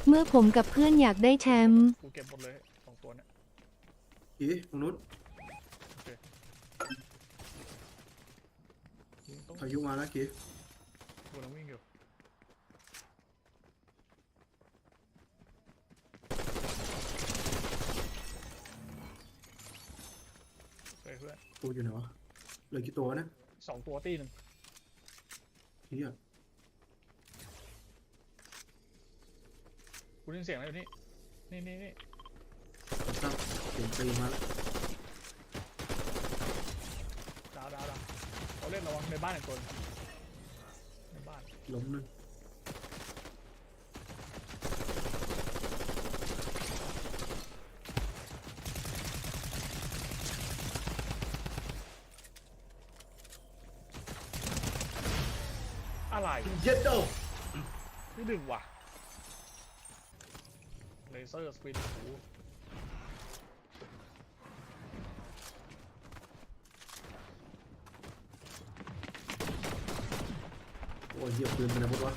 เมื่อผมกับเพื่อนอยากได้แชมป์กูเก็บหมดเลย2 ตัวเนี่ยกีตรงนู้นโอเคยิงตรงพายุมาแล้วกีกูนั่งวิ่งอยู่เฮ้ยเพื่อนกูอยู่ไหนวะเหลือกี่ตัวนะ 2 ตัวตีหนึ่งเฮียกูได้ยินเสียงอะไรอยู่นี่นี่ตั้งเสียงตีมาแล้วดาวเขาเล่นระวังในบ้านอีกคนในบ้านล้มหนึ่งอะไรเย็ดโดนี่ดึงว่ะเลเซอร์สปินโอ้โหโอ้ยเหี้ยปืนเป็นอะไรหมดวะ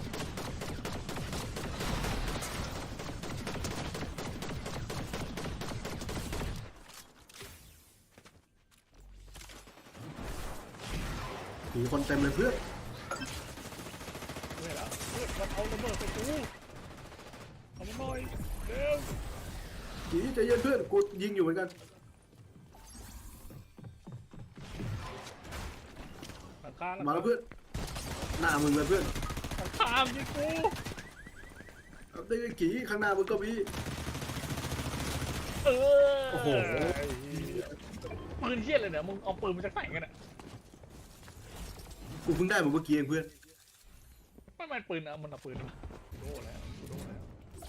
มีคนเต็มเลยเพื่อนเฮ้ยเหรอเฮ้ยมันเอาระเบิดใส่กูเอามาหน่อยเร็วกีใจเย็นเพื่อนกูยิงอยู่เหมือนกันหลังคามาแล้วเพื่อนหน้ามึงเลยเพื่อนหลังคายิงกูเอาได้กีข้างหน้ามึงก็มีโอ้โหโอ้โหปืนเทียดเลยเนี่ยมึงเอาปืนมาจากไหนกันอ่ะกูเพิ่งได้มาเมื่อกี้เองเพื่อนไม่มันปืนอะมันเอาปืนโดนแล้วโดนแล้ว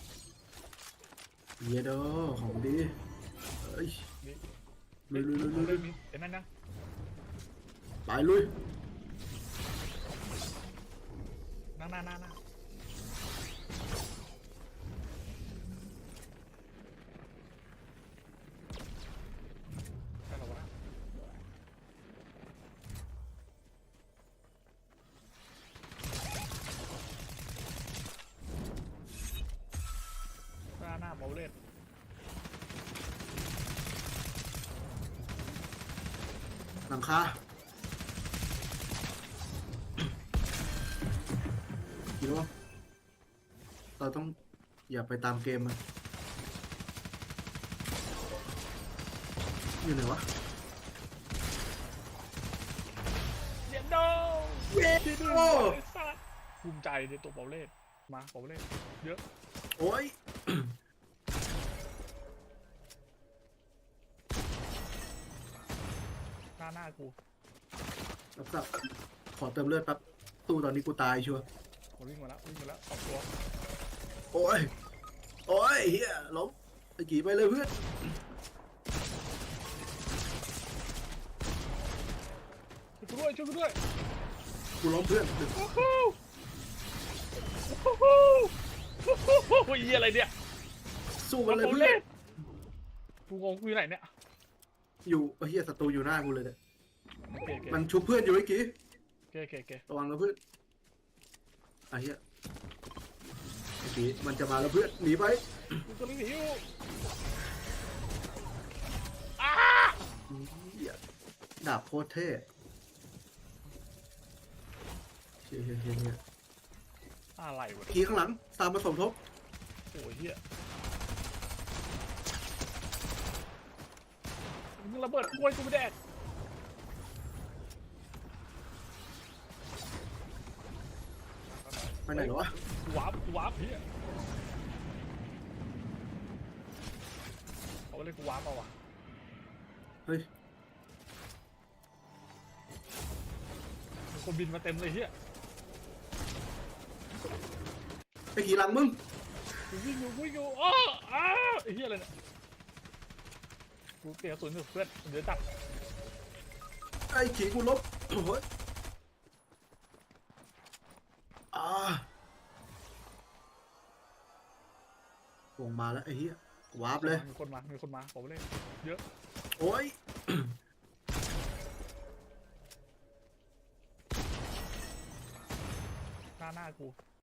เยโดของดีเอ้ยนี่ลุยลุยลุยลุยเล่นนี้เห็นนั่นนะไปลุยหน้าใช่หรอวะหน้าเบาเล่นหลังคาคิดว่าเราต้องอย่าไปตามเกมมันอยู่ไหนวะเย็นโดเย็ดโอ้ภูมิใจในตัวเบาเล่นมาเบาเล่นเยอะโอ้ยหน้ากูรับทราบขอเติมเลือดแป๊บตู้ตอนนี้กูตายชัวร์มันวิ่งมาแล้ว2 ตัวโอ้ย โอ้ยเฮียล้มไอ้กี่ไปเลยเพื่อนช่วยกูด้วยกูล้มเพื่อนโอ้โหยี่อะไรเนี่ยสู้มันเลยเพื่อนกูงงกูอยู่ไหนเนี่ยอยู่เฮียศัตรูอยู่หน้ากูเลยเนี่ยโอเคมันชุบเพื่อนอยู่ไอ้กี่โอเคระวังนะเพื่อนไอ้เฮียไอ้กี่มันจะมาแล้วเพื่อนหนีไปกูกำลังหนีอยู่เฮียดาบโคตรเท่เฮียเฮียอะไรวะกี่ข้างหลังตามมาสมทบโอ้ยเฮียมึงระเบิดกล้วยกูไม่แดกไปไหนเหรอวะวาร์ปเฮียเอาเลยกูวาร์ปเอาว่ะเฮ้ยมีคนบินมาเต็มเลยเฮียไอ้กี่หลังมึงกูวิ่งอยู่อ้าไอ้เฮียอะไรเนี่ยกูเตะกระสุนอยู่เพื่อนเดี๋ยวจับไอ้ขี่กูลบโอ้ยวงมาแล้วไอ้เหี้ยวาร์ปเลยมีคนมาผมเล่นเยอะโอ้ยหน้ากู